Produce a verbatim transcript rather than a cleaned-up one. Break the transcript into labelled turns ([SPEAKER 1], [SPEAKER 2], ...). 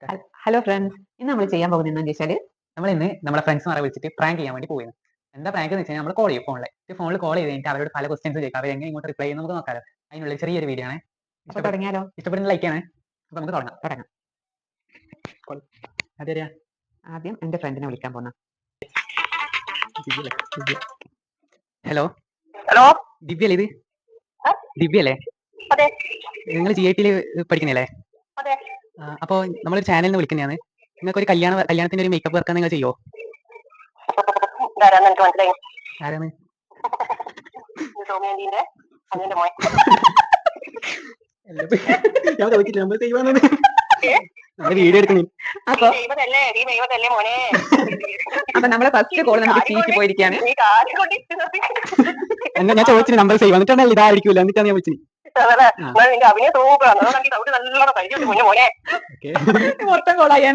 [SPEAKER 1] ഹൽ- hello friends, ഇന്ന് നമ്മൾ ചെയ്യാൻ പോകുന്നത് എന്താണെന്ന് വെച്ചാൽ
[SPEAKER 2] നമ്മൾ ഇന്ന് നമ്മുടെ ഫ്രണ്ട്സ്മാരെ വിളിച്ചിട്ട് പ്രാങ്ക് ചെയ്യാൻ വേണ്ടി പോയിരുന്നു. എന്താ പ്രാങ്ക് എന്ന് വെച്ചാൽ നമ്മൾ കോൾ ചെയ്യും ഫോണിൽ ഫോണിൽ കോൾ ചെയ്ത് കഴിഞ്ഞിട്ട് അവരോട് പല ക്വസ്റ്റ്യൻസ് ചോദിക്കാം. അവർ എങ്ങനെ ഇങ്ങോട്ട് റിപ്ലൈ ചെയ്യുന്നത് നമുക്ക് നോക്കാം. അതിനുള്ള ചെറിയൊരു വീഡിയോ ആണ്.
[SPEAKER 1] അപ്പൊ തുടങ്ങിയാലോ?
[SPEAKER 2] ഇഷ്ടപ്പെടുന്ന ലൈക്ക് ആണ്. അപ്പൊ നമുക്ക് തുടങ്ങാം.
[SPEAKER 1] തുടങ്ങാം.
[SPEAKER 2] അതെ,
[SPEAKER 1] ആദ്യം എന്റെ ഫ്രണ്ടിനെ വിളിക്കാൻ പോകുന്ന.
[SPEAKER 2] ഹലോ
[SPEAKER 3] ഹലോ,
[SPEAKER 2] ദിവ്യ അല്ലേ ഇത്?
[SPEAKER 3] ആ?
[SPEAKER 2] ദിവ്യ അല്ലേ?
[SPEAKER 3] അതെ
[SPEAKER 2] നിങ്ങൾ ജി ഐ ടിയിൽ പഠിക്കുന്നില്ലേ?
[SPEAKER 3] അതെ.
[SPEAKER 2] അപ്പോൾ നമ്മളൊരു ചാനലിൽ നിന്ന് വിളിക്കുന്നതാണ്. നിങ്ങൾക്ക് ഒരു കല്യാണ കല്യാണത്തിന്റെ ഒരു മേക്കപ്പ് വർക്ക് നിങ്ങൾ ചെയ്യോ?
[SPEAKER 3] ഇതാരാന്ന് എനിക്ക് മനസ്സിലായി.
[SPEAKER 2] ആരാണ്?
[SPEAKER 3] ഇത് സൗമ്യാന്റിന്റെ അനിയന്റെ മോൻ.
[SPEAKER 2] ഞാൻ ചോദിച്ചില്ല, നമ്മൾ ചെയ്യുവാന്ന്. നമ്മൾ വീഡിയോ എടുക്കുന്നു.
[SPEAKER 1] അപ്പൊ
[SPEAKER 3] നീ ദൈവതല്ലേ, നീ ദൈവതല്ലേ മോനെ.
[SPEAKER 1] അപ്പൊ നമ്മളെ ഫസ്റ്റ് കോൾ നമുക്ക് ചീറ്റി പോയിരിക്കുകയാണ്.
[SPEAKER 3] നീ കാര്യം കൊണ്ടിരിക്കുന്നത്.
[SPEAKER 2] എന്നാ ഞാൻ ചോദിച്ചിട്ട് നമ്പർ സേവ് എന്നിട്ടാണ് ഇതായിരിക്കൂല, എന്നിട്ടാണ് ഞാൻ വിളിച്ചത്.
[SPEAKER 3] അതല്ലേ, എന്നാൽ നിന്റെ അഭിനയം സൂപ്പറാണ്. അതാണ് ഡൗട്ട് നല്ലോണം കഴിച്ചു കുഞ്ഞു മോനെ.
[SPEAKER 1] മൊത്തം കോളായ